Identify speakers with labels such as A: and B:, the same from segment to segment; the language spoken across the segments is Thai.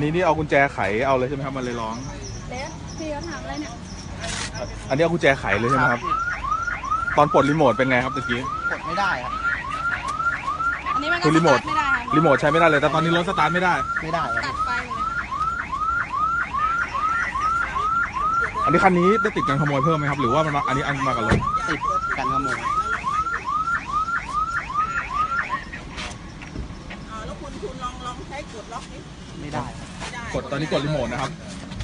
A: นี้นี่เอากุญแจไขเอาเลยใช่ไหมครับมันเลยร้อง
B: เล็กพี่เขาถามอะไรเนี่ย
A: อันนี้เอากุญแจไขเลยใช่ไหมครับตอนปลดรีโมทเป็นไงครับตะกี้
C: กดไม่ได้ครับ
B: อันนี้มันก็สตาร์ทไม่ได้
A: รีโมทใช้ไม่ได้เลยแต่ตอนนี้รถสตาร์ทไม่ได้
B: ตัดไฟเลย
A: อันนี้คันนี้ได้ติดการขโมยเพิ่มไหมครับหรือว่ามันอันนี้มากับรถ
C: ติดกันขโมย
B: แล้วคุณลองใช้กดล็อกนี้
C: ไม่ได้
A: กดตอนนี้กดรีโมทนะครับ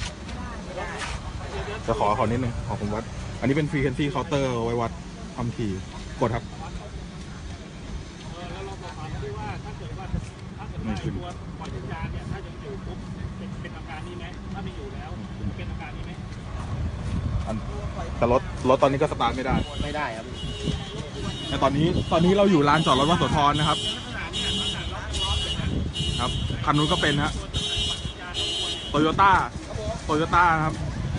A: จะขอนิดนึงขอผมวัดอันนี้เป็นฟรีเคนซี่เคาน์เตอร์ไว้วัดความถี่กดครับไม่ขึ้นแต่รถตอนนี้ก็สตาร์ทไม่ได้
C: ครับ
A: แต่ตอนนี้เราอยู่ลานจอดรถวัดโสธรนะครับครับคันนู้นก็เป็นฮะโตโยต้าครับ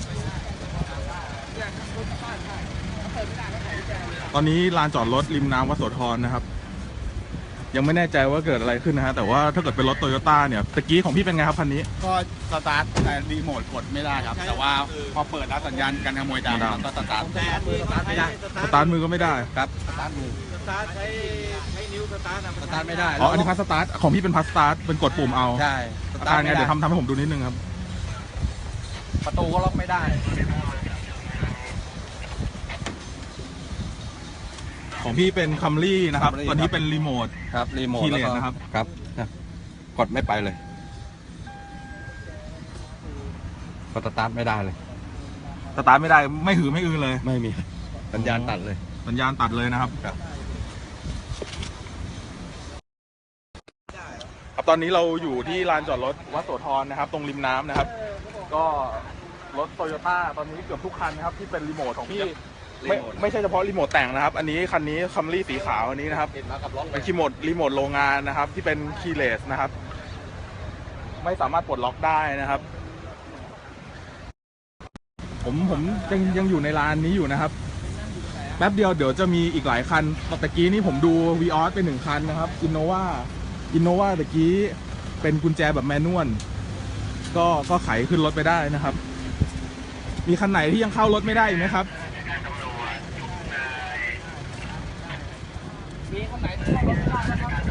A: ตอนนี้ลานจอดรถริมน้ำวัดโสธรนะครับยังไม่แน่ใจว่าเกิดอะไรขึ้นนะฮะแต่ว่าถ้าเกิดเป็นรถโตโยต้าเนี่ยตะกี้ของพี่เป็นไงครับคันนี้
C: ก็สตาร์ทแต่รีโมทกดไม่ได้ครับแต่ว่าพอเปิดแล้วสัญญาณการขโมยดังก็สตาร์ทไม่ได้
A: สตาร์ทมือก็ไม่ได้
C: ครับสตาร์ทมือใช้นิ้วสตาร์ทไม่ได้
A: อ๋ออันนี้พัสสตาร์ทของพี่เป็นพัสสตาร์ทเป็นกดปุ่มเอา
C: ใช่
A: สตาร์ทไงเดี๋ยวทำให้ผมดูนิดนึงครับ
C: ประตูก็ล็อกไม่ได้
A: ของพี่เป็นคัมรี่นะครับตอนนี้เป็นรีโมท
C: ครับรีโมท
A: คีย์เลสนะครับ
C: ครับกดไม่ไปเลยก็สตาร์ทไม่ได้เลย
A: สตาร์ทไม่ได้ไม่หือไม่อือเลย
C: ไม่มีสัญญาณตัดเลย
A: นะครับตอนนี้เราอยู่ที่ลานจอดรถวัดโสธรนะครับตรงริมน้ำนะครับก็รถโตโยต้าตอนนี้เกือบทุกคันนะครับที่เป็นรีโมทของพี่ไม่ใช่เฉพาะรีโมทแต่งนะครับอันนี้คันนี้คัมรี่สีขาวอันนี้นะครับเป็นรีโมทโรงงานนะครับที่เป็นคีย์เลสนะครับไม่สามารถปลดล็อกได้นะครับผมยังอยู่ในลานนี้อยู่นะครับแป๊บเดียวเดี๋ยวจะมีอีกหลายคันตะกี้นี่ผมดูวีออสเป็น1คันนะครับอินโนวาตะกี้เป็นกุญแจแบบแมนนวลก็ไขขึ้นรถไปได้นะครับมีคันไหนที่ยังเข้ารถไม่ได้อีกไหมครับ
C: มีคันไหนที่เข้ารถไม่ได้นะครับ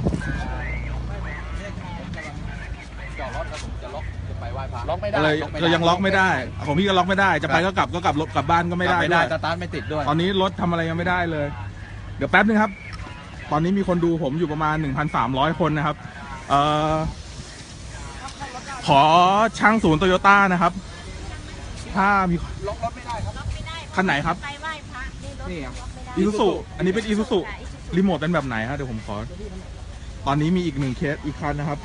C: จอดรถแล้วผมจะล็อกจะไปไหว้พระล็อกไม่ได้
A: เลยก็ยังล็อกไม่ได้ของพี่ก็ล็อกไม่ได้จะไปก็กลับกลับบ้านก็ไม่ได้ด้วย
C: สตาร์ทไม่ติดด้วย
A: ตอนนี้รถทำอะไรยังไม่ได้เลยเดี๋ยวแป๊บนึงครับตอนนี้มีคนดูผมอยู่ประมาณ 1,300 คนนะครับขอช่างศูนย์โตโยต้านะครับถ้ามี
C: ล็อกรถไม่ได้ครับ
A: คันไหนครับ
B: ไปไหว้พระ
A: นี่อีซูซุอันนี้เป็นอีซูซุรีโมทเป็นแบบไหนฮะเดี๋ยวผมขอตอนนี้มีอีก1เคสอีกคันนะครับ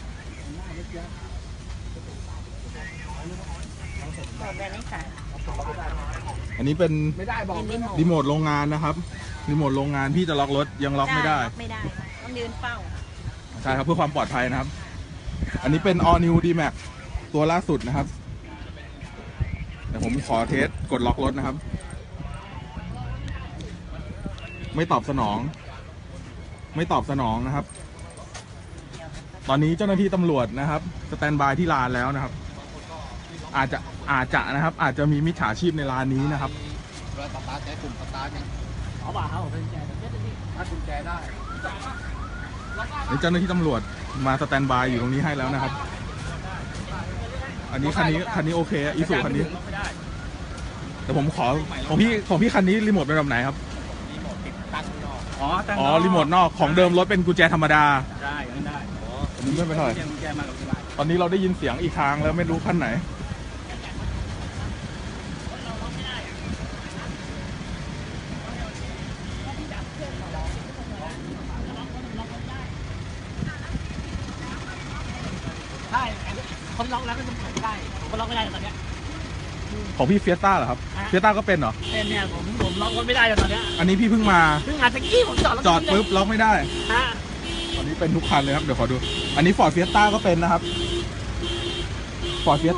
A: อันนี้เป็นรีโมทโรงงานนะครับรีโมทโรงงานพี่จะล็อกรถยังล็อกไม่ได้
B: ต้องยืนเฝ้า
A: ใช่ครับเพื่อความปลอดภัยนะครับอันนี้เป็น All New D-Max ตัวล่าสุดนะครับเดี๋ยวผมขอเทสกดล็อกรถนะครับไม่ตอบสนองนะครับตอนนี้เจ้าหน้าที่ตำรวจนะครับสแตนบายที่ลานแล้วนะครับอาจจะนะครับอาจจะมีมิจฉาชีพในร้านนี้นะครับ
C: เวลาสตาร์ทใช้ปุ่มสตาร์ทเอาบ่าเขาเป็นกุญแจถ้ากุญแจได้
A: เจ้าหน้าที่ตำรวจมาสแตนบายอยู่ตรงนี้ให้แล้วนะครับอันนี้คันนี้โอเคอีซูคันนี้แต่ผมขอของพี่คันนี้รีโมทเป็นแบบไหนครับ
C: รีโมทติดตั้งนอก
A: อ๋อรีโมทนอกของเดิมรถเป็นกุญแจธรรมดา
C: ได้
A: อันนี้ไม่เป็นไรตอนนี้เราได้ยินเสียงอีกทางแล้วไม่รู้คันไหน
C: ใช่คนล็อกแล้วก็จะเปิดได้คนล็อกไม่ได้ตอนนี้
A: ของพี่เฟียสต้าเหรอครับเฟียสต้าก็เป็นเหรอ
C: เป็นเนี่ยผมล็อกรถไม่ได้ตอนนี้
A: อันนี้พี่เพิ่งมา
C: ตะกี้ผม
A: จอดปุ๊บล็อกไม่ได้ตอนนี้เป็นทุกคันเลยครับเดี๋ยวขอดูอันนี้ฟอร์ดเฟียสต้าก็เป็นนะครับฟอร์ดเฟียส